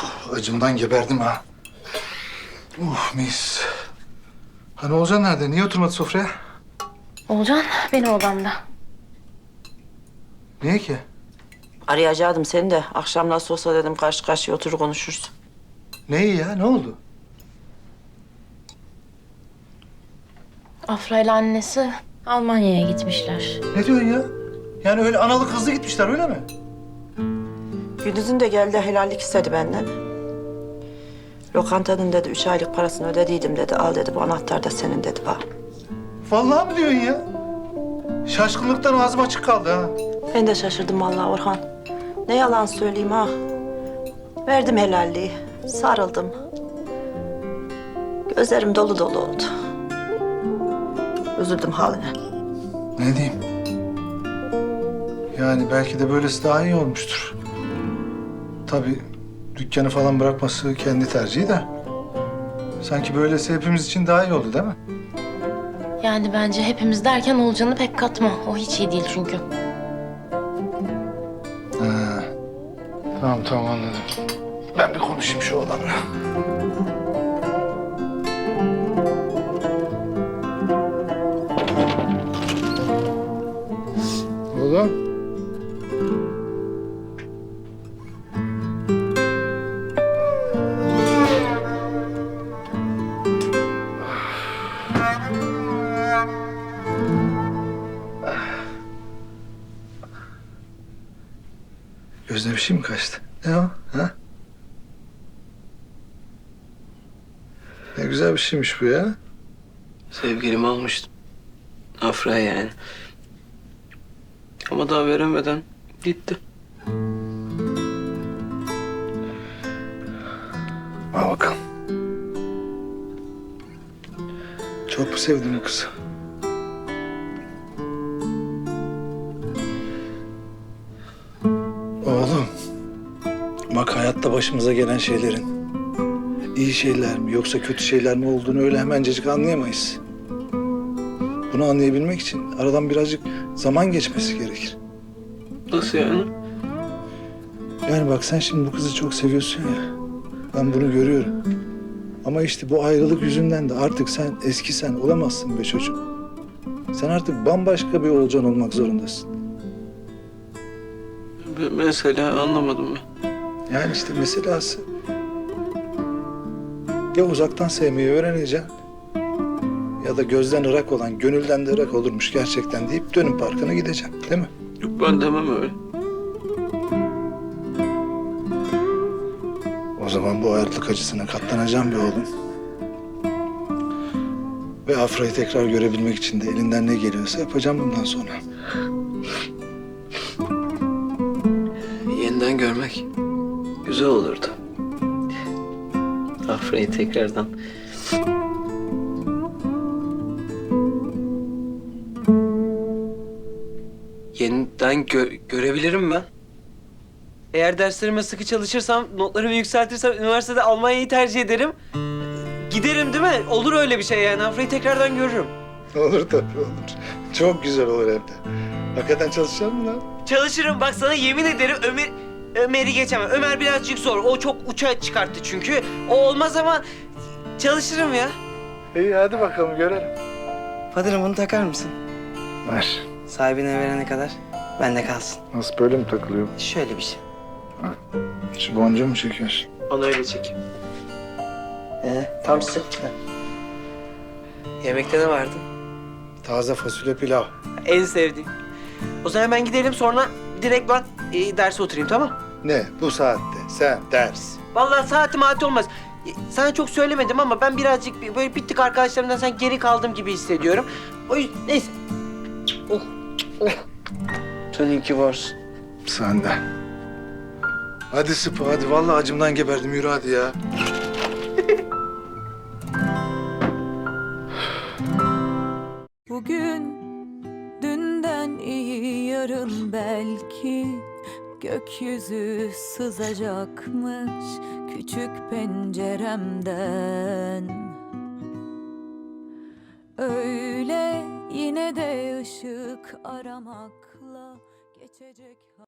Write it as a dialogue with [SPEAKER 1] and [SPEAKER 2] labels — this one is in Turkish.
[SPEAKER 1] Acımdan geberdim ha. Mis. Hani Oğuzhan nerede? Niye oturmadı sofraya?
[SPEAKER 2] Olcan benim odamda.
[SPEAKER 1] Niye ki?
[SPEAKER 3] Arayacaktım seni de. Akşam nasıl olsa dedim karşı karşıya oturur konuşuruz.
[SPEAKER 1] Ne iyi ya? Ne oldu?
[SPEAKER 2] Afra ile annesi Almanya'ya gitmişler.
[SPEAKER 1] Ne diyorsun ya? Yani öyle analı kızlı gitmişler öyle mi?
[SPEAKER 3] Gündüz'ün de geldi helallik istedi benden. Lokantanın dedi 3 aylık parasını ödediydim dedi. Al dedi bu anahtar da senin dedi bana.
[SPEAKER 1] Vallahi mi diyorsun ya? Şaşkınlıktan ağzım açık kaldı ha.
[SPEAKER 3] Ben de şaşırdım vallahi Orhan. Ne yalan söyleyeyim ha. Verdim helalliği. Sarıldım. Gözlerim dolu dolu oldu. Üzüldüm haline.
[SPEAKER 1] Ne diyeyim? Yani belki de böylesi daha iyi olmuştur. Tabii dükkanı falan bırakması kendi tercihi de. Sanki böylesi hepimiz için daha iyi oldu değil mi?
[SPEAKER 2] Yani bence hepimiz derken Olcan'ı pek katma. O hiç iyi değil çünkü.
[SPEAKER 1] Ha. Tamam anladım. Ben bir konuşayım şu adamla. Oğlum. Gözüne bir şey mi kaçtı? Ne o? Ha? Ne güzel bir şeymiş bu ya.
[SPEAKER 4] Sevgilimi almıştım. Afra yani. Ama daha veremeden gitti.
[SPEAKER 1] Al bakalım. Çok mu sevdin bu kızı? Oğlum. Bak hayatta başımıza gelen şeylerin iyi şeyler mi yoksa kötü şeyler mi olduğunu öyle hemencecik anlayamayız. Bunu anlayabilmek için aradan birazcık zaman geçmesi gerekir.
[SPEAKER 4] Nasıl yani?
[SPEAKER 1] Yani bak sen şimdi bu kızı çok seviyorsun ya. Ben bunu görüyorum. Ama işte bu ayrılık yüzünden de artık sen eski sen olamazsın be çocuğum. Sen artık bambaşka bir Olcan olmak zorundasın.
[SPEAKER 4] Mesela anlamadım ben.
[SPEAKER 1] Yani işte meselası ya uzaktan sevmeyi öğreneceksin ya da gözden ırak olan gönülden de ırak olurmuş gerçekten deyip dönüm parkına gideceksin değil mi?
[SPEAKER 4] Yok ben demem öyle.
[SPEAKER 1] O zaman bu ayrılık acısına katlanacağım be oğlum. Ve Afra'yı tekrar görebilmek için de elinden ne geliyorsa yapacağım bundan sonra.
[SPEAKER 4] Yeniden görmek güzel olurdu. Afra'yı tekrardan. Yeniden görebilirim ben. Eğer derslerime sıkı çalışırsam, notlarımı yükseltirsem üniversitede Almanya'yı tercih ederim. Giderim değil mi? Olur öyle bir şey yani. Afra'yı tekrardan görürüm.
[SPEAKER 1] Olur tabii olur. Çok güzel olur hem de. Hakikaten çalışacak mı lan?
[SPEAKER 4] Çalışırım bak sana yemin ederim Ömer'i geçemem. Ömer birazcık zor. O çok uça çıkarttı çünkü. O olmaz ama çalışırım ya.
[SPEAKER 1] İyi hadi bakalım görelim.
[SPEAKER 4] Fadırım bunu takar mısın?
[SPEAKER 1] Ver.
[SPEAKER 4] Sahibine verene kadar bende kalsın.
[SPEAKER 1] Nasıl böyle mi takılıyor?
[SPEAKER 4] Şöyle bir şey.
[SPEAKER 1] Şu boncuğu mu çekiyorsun?
[SPEAKER 4] Onu öyle çek. Tam sık. Yemekte ne vardı?
[SPEAKER 1] Taze fasulye pilav.
[SPEAKER 4] En sevdiğim. O zaman ben gidelim sonra direkt ben derse oturayım tamam?
[SPEAKER 1] Ne bu saatte? Sen ders.
[SPEAKER 4] Vallahi saati olmaz. Sana çok söylemedim ama ben birazcık böyle bir tık arkadaşlarımdan sen geri kaldım gibi hissediyorum. O yüzden neyse. Oh, oh. Sen iyi ki varsın.
[SPEAKER 1] Sen de. Hadi Sıpa hadi. Vallahi acımdan geberdim. Yürü hadi ya.
[SPEAKER 5] Bugün dünden iyi yarın belki gökyüzü sızacakmış küçük penceremden. Öyle yine de ışık aramakla geçecek.